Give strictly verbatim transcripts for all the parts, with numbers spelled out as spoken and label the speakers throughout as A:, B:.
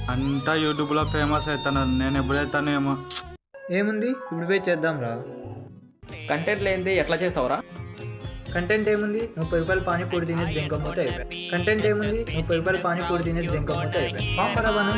A: అంతా యూట్యూబ్ లో ఫేమస్ అవుతాను, నేను ఎప్పుడైతాను ఏమో.
B: ఏముంది ఇప్పుడు పోయి చేద్దాం రా.
C: కంటెంట్ లేనిది ఎట్లా చేస్తావురా?
B: కంటెంట్ ఏముంది, ముప్పై రూపాయలు పానీపూరి తినేసి దెంకపోతే అయిపోయి. కంటెంట్ ఏముంది, ముప్పై రూపాయలు పానీపూరి తినేసి దెంకపోతే అయిపోయి. పాపరాబాను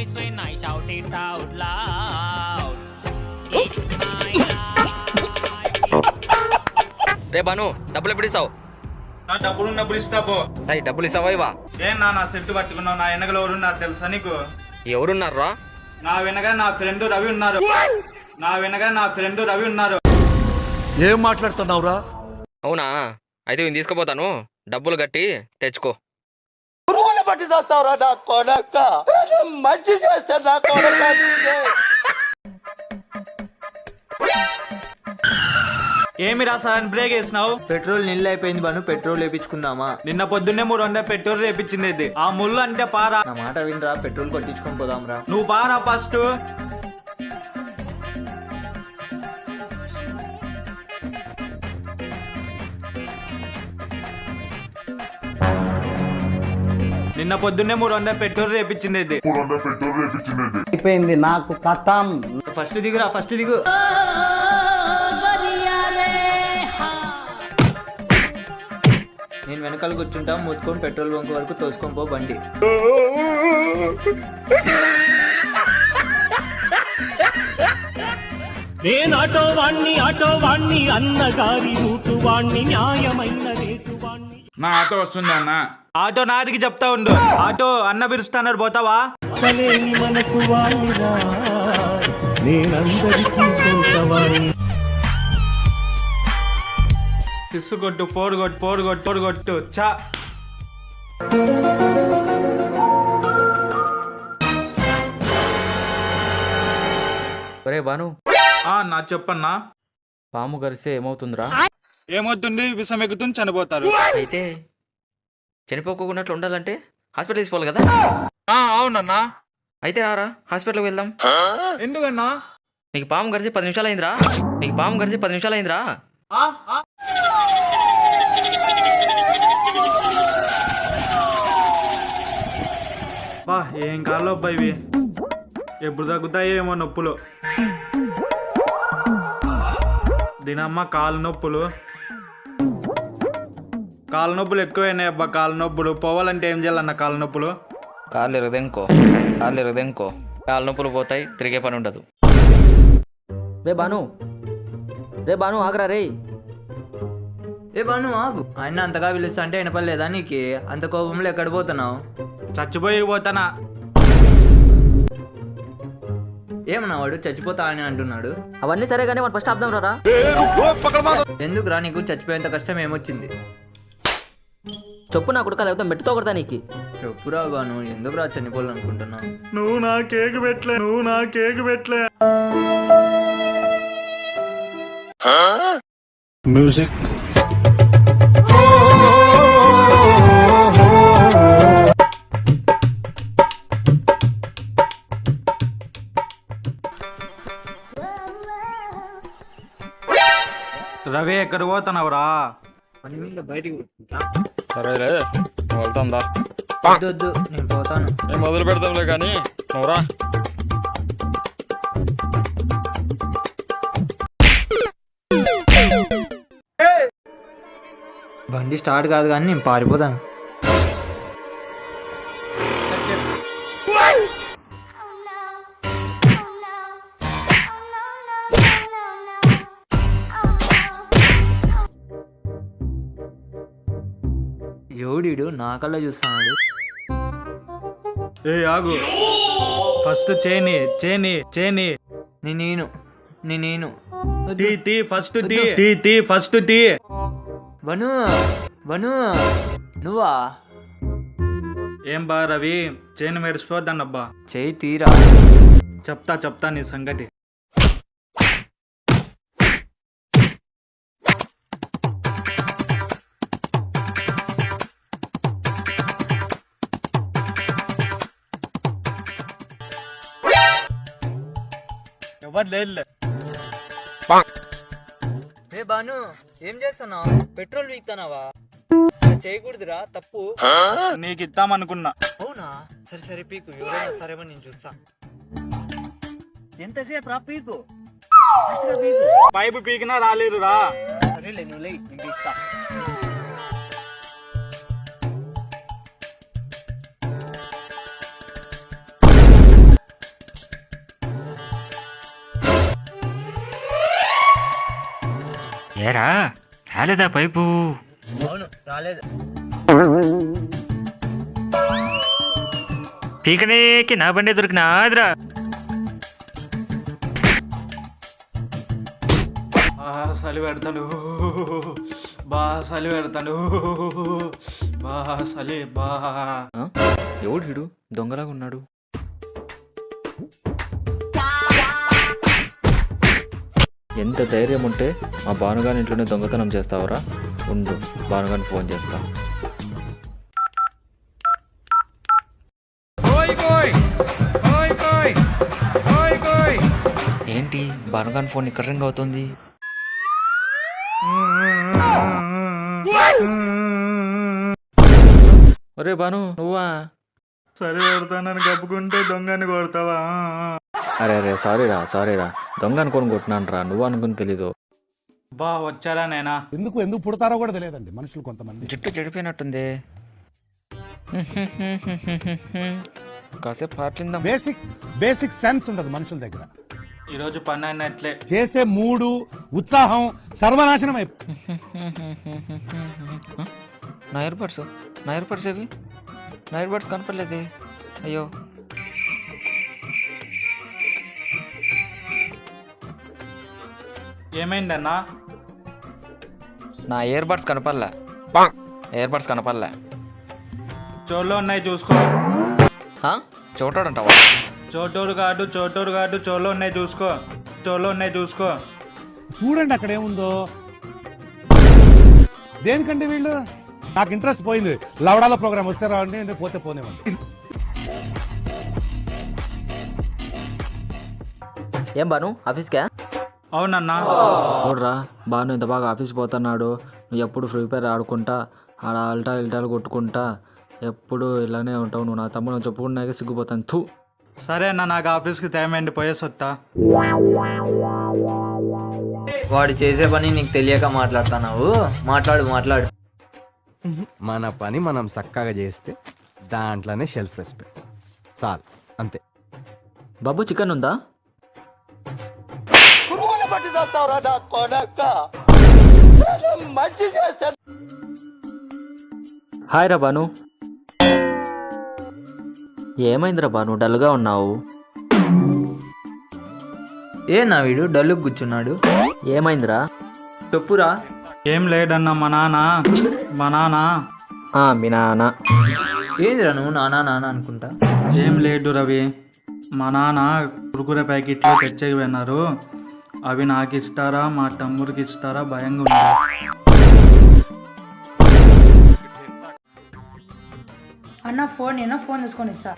C: రే బాను, డబ్బులు ఎప్పుడు ఇస్తావు?
A: నా డబ్బులు ఉన్నప్పుడు ఇస్తా పో.
C: అయ్యి డబ్బులు ఇస్తావా ఇవా?
A: ఏం నా నా సెట్ పట్టుకున్నావు? నా వెనకలో ఎవరున్నారు తెలుసా నీకు?
C: ఎవరున్నారా?
A: నా వెనక నా ఫ్రెండ్ రవి ఉన్నారు. నా వెనక నా ఫ్రెండ్ రవి ఉన్నారు.
D: ఏం మాట్లాడుతున్నావురా?
C: అవునా? అయితే నేను తీసుకుపోతాను, డబ్బులు కట్టి తెచ్చుకో.
D: పురుగులు పట్టి చేస్తావురా నా కొడక, మంచి చేస్తా నా కొడక.
A: ఏమి రా సడన్ బ్రేక్ వేసినావు?
B: పెట్రోల్ నీళ్ళు అయిపోయింది బాను, పెట్రోల్ వేపించుకుందామా?
A: నిన్న పొద్దున్నే మూడు వందల పెట్రోల్ రేపించింది ఇది. ఆ ముళ్ళు అంటే పారా.
B: నా మాట వినరా, పెట్రోల్ కొట్టించుకొని పోదాం రా.
A: నువ్వు పారా ఫస్ట్. నిన్న పొద్దున్నే మూడు వందల పెట్రోల్ రేపించింది ఇది.
E: అయిపోయింది నాకు కథం.
B: ఫస్ట్ దిగురా, ఫస్ట్ దిగు. నేను వెనకాల కూర్చుంటా, మూసుకొని పెట్రోల్ బంక్ వరకు తోసుకొని పో బండి.
F: నేను ఆటో వాణ్ణి ఆటో వాణ్ణి అన్నగారి రూటు వాణ్ణి న్యాయమైన రేటు వాణ్ణి.
A: నా ఆటో వస్తుంది అన్న. ఆటో నాటికి చెప్తా ఉండు. ఆటో అన్న పిలుస్తాన్నారు, పోతావా?
F: అసలేని మనకు వాణిరా, నేనందరికీ సొంతవాణ్ణి.
A: సిస్సు కొట్టు, ఫోర్ కొట్టు, ఫోర్ కొట్టు, ఫోర్ కొట్టు. చా
C: ఒరే బాను,
A: ఆ, నా చెప్పన్నా.
C: పాము గరిస్తే ఏమవుతుందిరా?
A: ఏమవుతుంది? విషం ఎక్కుతుంది, చనిపోతారు.
C: అయితే చనిపోకున్నట్లు ఉండాలంటే హాస్పిటల్ తీసుకోవాలి కదా?
A: ఆ, అవునన్నా.
C: అయితే రారా హాస్పిటల్కి వెళ్దాం.
A: ఎందుకన్నా?
C: నీకు పాము గరిచి పది నిమిషాలు అయిందిరా. నీకు పాము గరిచి పది నిమిషాలు అయిందిరా.
A: ఆ, ఆ. బా, ఏం కాలో అబ్బా ఇవి. ఎప్పుడు తగ్గుతాయో ఏమో నొప్పులు. దీనమ్మ కాలు నొప్పులు, కాలు నొప్పులు ఎక్కువైనాయి అబ్బా. కాలు నొప్పులు పోవాలంటే ఏం చేయాలన్న? కాలు నొప్పులు
C: కాళ్ళు ఎరగదెంకో, కాళ్ళు ఎరగదెంకో. కాళ్ళ నొప్పులు పోతాయి, తిరిగే పని ఉండదు. రే బాను, రే బాను ఆగరా రే.
B: ఏ బాను ఆగు. ఆయన అంతగా పిలుస్తా అంటే వినపడలేదా నీకు? అంత కోపంలో ఎక్కడ పోతున్నావు?
A: చచ్చిపోయి పోతానా?
B: ఏమన్నా వాడు చచ్చిపోతా అని అంటున్నాడు.
C: అవన్నీ సరే కానీ మనం ఫస్ట్ ఆపుదాం రా.
B: ఎందుకు రా, నీకు చచ్చిపోయేంత కష్టం ఏమొచ్చింది?
C: చెప్పు నా కొడుకు, లేకపోతే మెట్టుతో కొడతా నీకు.
B: చెప్పురా బాను, ఎందుకు రా చనిపోవాలనుకుంటున్నావు?
A: నువ్వు నా కేక్ పెట్టలే, నువ్వు నా కేక్ పెట్టలే.
D: మ్యూజిక్
A: రవి ఎక్కడ పోతున్నావురా?
B: బయటికి
C: సరేలే, వెళ్తాందా?
B: వద్దు వద్దు, నేను పోతాను.
C: నేను మొదలు పెడతాంలే కానీ నువ్వురా.
B: బండి స్టార్ట్ కాదు కానీ నేను పారిపోతాను. ఎవడీడు నా కల్లా చూస్తున్నాడు.
A: ఏ ఆగు, ఫస్ట్ చేని చేని చేని
B: నేను నేను
A: తీ తీ ఫస్ట్ తీ తీ తీ ఫస్ట్ తీ.
B: బను బను నువ్వా?
A: ఏం బా రవి, చేను మెరిసిపోద్దన్నబ్బా.
B: చేయి తీరా.
A: చెప్తా చెప్తా నీ సంగతి. ఎవరు లేదు.
B: ఏ బాను, ఏం చేస్తున్నావు? పెట్రోల్ వీక్తానావా? చేయకూడదురా, తప్పు.
A: నీకు ఇద్దామనుకున్నా.
B: అవునా? సరే సరే పీకు, ఎవరైనా సరేమో నేను చూస్తా. ఎంతసేపు రా పీకు, ఫాస్ట్గా పీకు.
A: పైపు పీకినా రాలేరు రా.
B: సరేలే నువ్వు లే, నేను పీకుతా.
F: ఏరా రాలేదా పైపు?
B: అవును రాలేదు.
F: పీకనేకి నా బండి దొరికిన ఆదిరా.
A: చలి పెడతాను బా, చలి పెడతాను బా, చలి బా.
C: ఆ? ఎవడు వీడు దొంగలాగా ఉన్నాడు? ఎంత ధైర్యం ఉంటే మా భానుగాని ఇంట్లోనే దొంగతనం చేస్తావరా? ఉండు, భానుగాని ఫోన్ చేస్తా. ఏంటి భానుగాని ఫోన్ ఇక్కడ రింగ్ అవుతుంది? ఒరే భాను, నువ్వా?
A: చలి పెడతానని కప్పుకుంటే దొంగని కొడతావా?
C: అరే అరే సారీరా సారీరా, దొంగ అనుకొని కొట్టినాను రా, నువ్వు అనుకుని తెలీదు.
A: బా వచ్చారా నేనా?
E: ఎందుకు ఎందుకు పుడతారో కూడా తెలియదండి మనుషులు కొంతమంది.
C: జుట్టు చెడిపోయినట్టుంది. కాసేపు పాటలిందాం.
E: బేసిక్ బేసిక్ సెన్స్ ఉండదు మనుషుల దగ్గర.
A: ఈరోజు పని అన్నట్లే.
E: చేసే మూడు ఉత్సాహం సర్వనాశనం అయిపో.
C: నా ఇయర్ బడ్స్ నా ఇయర్ బడ్స్ ఏవి? నా ఇయర్ బడ్స్ కనపడలేదే. అయ్యో,
A: ఏమైందన్నా?
C: నా ఇయర్ బడ్స్ కనపడలే. ఇయర్ బడ్స్ కనపడలే.
A: చోట్లో ఉన్నాయి చూసుకో.
C: చోటాడంటావా?
A: చోటోడు కాదు చోటోడు కాదు, చోలో ఉన్నాయి చూసుకో. చోలో ఉన్నాయి చూసుకో.
E: చూడండి అక్కడ ఏముందో. దేనికంటే వీళ్ళు, నాకు ఇంట్రెస్ట్ పోయింది. లవడాల ప్రోగ్రామ్ వస్తే రావండి, నేను పోతే పోనేవండి.
C: ఏం బాను ఆఫీస్కా?
A: అవునన్నా.
C: చూడరా బాను ఇంత బాగా ఆఫీస్ పోతున్నాడు, నువ్వు ఎప్పుడు ఫ్రీ ఫైర్ ఆడుకుంటా ఆడ అల్టా ఇల్టాలు కొట్టుకుంటా ఎప్పుడు ఇలానే ఉంటావు. నువ్వు నా తమ్ముడు చెప్పుకున్నాక సిగ్గుపోతాను. థూ.
A: సరే అన్న, నాకు ఆఫీస్కి టైం అయింది, పోయేసి వస్తా.
B: వాడు చేసే పని నీకు తెలియక మాట్లాడుతున్నావు. మాట్లాడు మాట్లాడు.
G: మన పని మనం చక్కగా చేస్తే దాంట్లోనే షెల్ఫ్ రెస్పెక్ట్ చాలు, అంతే.
C: బాబు చికెన్ ఉందా?
D: పురుగులు పట్టి చేస్తావురా నా కొడక, మంచి చేస్తా.
C: హాయ్ రా బాను. ఏమైందిరా బాను, డల్గా ఉన్నావు?
B: ఏ నా వీడు డల్లు కూర్చున్నాడు.
C: ఏమైందిరా?
B: చెప్పురా.
A: ఏం లేదన్నా, మా నాన్న మా నాన్న
C: ఆ, మీ నాన్న.
B: ఏందిరా నువ్వు నానా నానా అనుకుంటా.
A: ఏం లేదు రవి, మా నాన్న కురుకురే ప్యాకెట్లు తెచ్చేకి పోయినారు. అవి నాకు ఇస్తారా మా తమ్ముడికి ఇస్తారా భయంగా ఉంది.
H: అన్న ఫోన్ నేను ఫోన్ తీసుకొని ఇస్తా.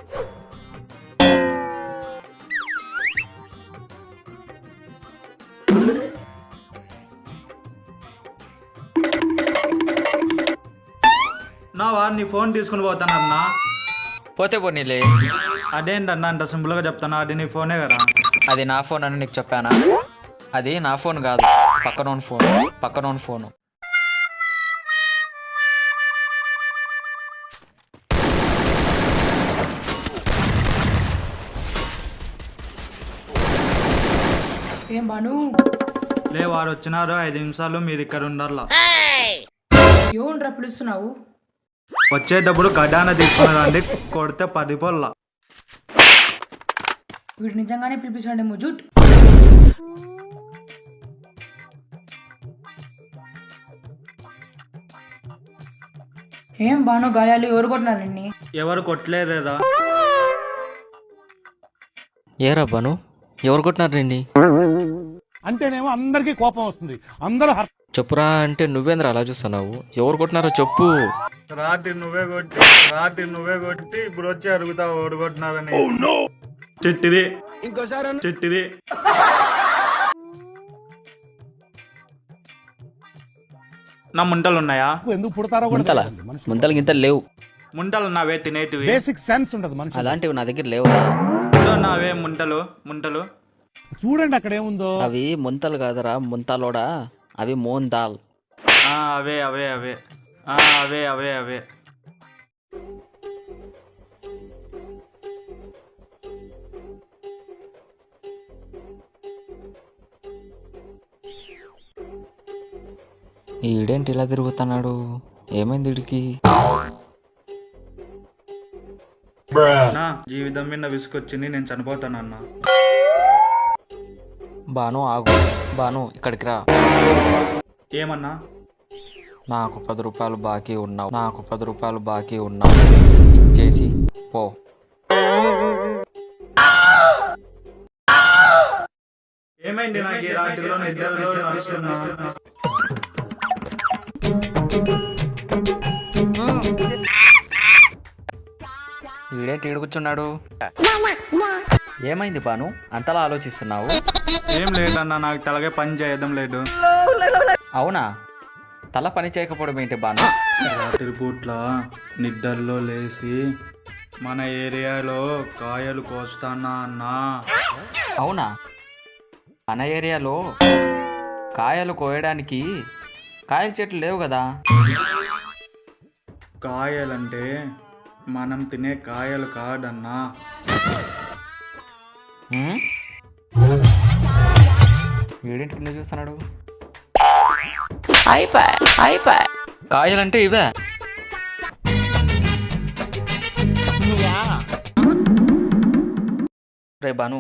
A: నా వాడిని ఫోన్ తీసుకుని పోతానన్నా.
C: పోతే పోనీలే.
A: అదేంటన్నా అంత సింపుల్గా చెప్తాను, అది నీ ఫోనే కదా.
C: అది నా ఫోన్ అని నీకు చెప్పానా? అది నా ఫోన్ కాదు, పక్కనోని ఫోన్. పక్కనోని ఫోను.
H: ఏం బాను,
A: లే వాడు వచ్చినారు, ఐదు నిమిషాలు మీరు ఇక్కడ ఉండాలా.
H: ఏముండ్రా పిలుస్తున్నావు?
A: వచ్చేటప్పుడు గడ్డాన తీసుకుని రండి, కొడితే పది పొల్ల.
H: వీడు నిజంగానే పిలిపించండి ముజుట్. ఏం బాను గాయాలు? ఎవరు కొట్టినారు నిన్ని?
A: ఎవరు కొట్టలేదేదా?
C: ఏరా బాను, ఎవరు కొట్టినారు నిన్ని?
E: అంటేనేమో అందరికీ కోపం వస్తుంది. అందరూ హర్-
C: చెప్పురా అంటే నువ్వేంద్ర అలా చూస్తున్నావు? ఎవరు కొట్టినారో చెప్పు.
A: రాత్రి నువ్వే కొట్టి రాత్రి నువ్వే కొట్టి ఇప్పుడు వచ్చి అడుగుతావు ఎవరు కొట్టినారని. చిట్టిది చిట్టిది. నా ముంటలు ఉన్నాయా?
E: ఎందుకు పుడతారో కూడా
C: ముంతల
E: తెలియదండి మనుషులు.
C: ముంతలు గింతలు లేవు.
A: ముంటలు నావే తినేటివి.
E: బేసిక్ సెన్స్ ఉండదు మనిషి.
C: అలాంటివి నా దగ్గర లేవురా.
A: ఇదో నావే ముంటలు ముంటలు.
E: చూడండి అక్కడ ఏముందో.
C: అవి ముంతలు కాదురా, ముంతలోడా. అవి మోన్ దాల్.
A: ఆ, అవే అవే అవే ఆ, అవే అవే అవే
C: ఈడేంటి ఇలా తిరుగుతున్నాడు? ఏమైంది వీడికి?
A: నా జీవితం మీద విసుకొచ్చింది, నేను చనిపోతానన్న.
C: బాను ఆగు. బాను ఇక్కడికి రా.
A: ఏమన్నా?
C: నాకు పది రూపాయలు బాకీ ఉన్నావు. నాకు పది రూపాయలు బాకీ ఉన్నావు. ఇచ్చేసి పో.
A: ఏమైంది నాకు ఈ రాత్రిలో నిద్రలో నడుస్తున్నా?
C: ఈడేంటి ఈడు కూర్చున్నాడు? ఏమైంది బాను, అంతలా ఆలోచిస్తున్నావు?
A: ఏం లేదన్నా, నాకు తలగే పని చేయడం లేదు.
C: అవునా? తల పని చేయకపోవడం ఏంటి బాను?
A: రాత్రి పూట్ల నిద్రలో లేచి మన ఏరియాలో కాయలు కోస్తానా అన్నా.
C: అవునా? మన ఏరియాలో కాయలు కోయడానికి కాయల చెట్లు లేవు కదా?
A: కాయలంటే మనం తినే కాయలు కాదన్నా.
C: వీడింటి కింద చూస్తున్నాడు. కాయలంటే ఇవే. రే బాను,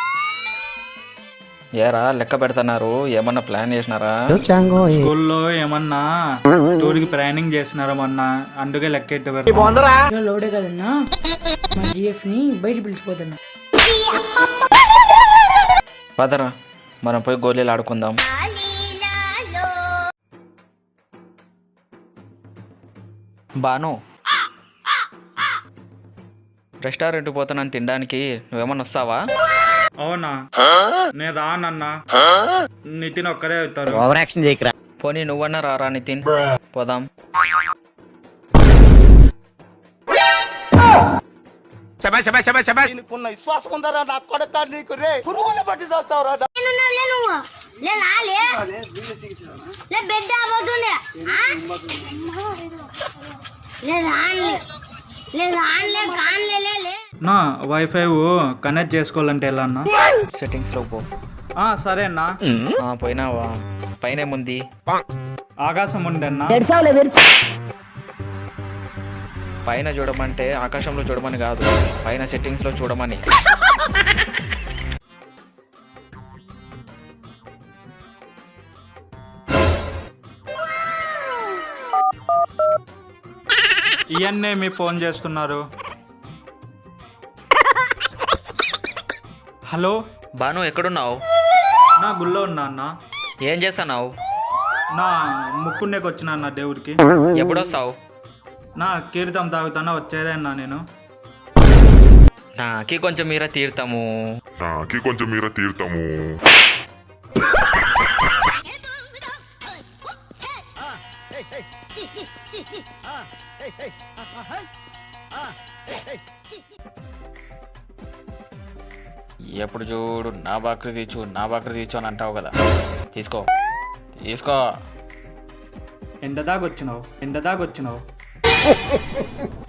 C: ఏరా లెక్క పెడుతున్నారు? ఏమన్నా ప్లాన్ చేసినారా?
A: స్కూల్లో ఏమన్నా టూర్కి ప్లానింగ్ చేసినారా మొన్న? అందుకే లెక్కెట్టు
H: లోడే కదన్నా, మా జిఎఫ్ ని బయట పిలిచిపోతున్నా.
C: పదరా మనం పోయి గోళీలు ఆడుకుందాం. బాను, రెస్టారెంట్ పోతున్నాను తినడానికి, నువ్వేమన్నా వస్తావా?
A: అవునా? నేను రానన్నా, నితిన్ ఒక్కరే అవుతారు.
C: పోనీ నువ్వన్నా రారా నితిన్, పోదాం.
D: దీనికున్న విశ్వాసం ఉందరా నా కొడక నీకు రే పురుగులు పట్టి చేస్తావురా.
A: నా వైఫై కనెక్ట్ చేసుకోవాలంటే ఎలా అన్నా?
C: సెట్టింగ్స్ లో పో.
A: ఆ, సరే అన్నా.
C: ఆ, పోయినావా? పైన ఏముంది?
A: ఆకాశం ఉండన్నా.
C: పైన చూడమంటే ఆకాశంలో చూడమని కాదు, పైన సెట్టింగ్స్ లో చూడమని.
A: ఇవన్నీ మీ ఫోన్ చేస్తున్నారు. హలో
C: బాను, ఎక్కడున్నావు?
A: నా గుళ్ళో ఉన్నా అన్న.
C: ఏం చేస్తున్నావు?
A: నా ముక్కునేకి వచ్చిన అన్న దేవుడికి.
C: ఎప్పుడొస్తావు?
A: నా కీర్తం తాగుతానా, వచ్చేదే అన్నా నేను.
C: నాకి కొంచెం మీర తీర్థము.
I: నాకి కొంచెం మీర తీర్థము.
C: ఎప్పుడు చూడు నా బాకరి తీర్చు నా బాకరి తీర్చు అని అంటావు కదా, తీసుకో తీసుకో.
A: ఎంత దాకా వచ్చినావు? ఎంత దాకా వచ్చినావు?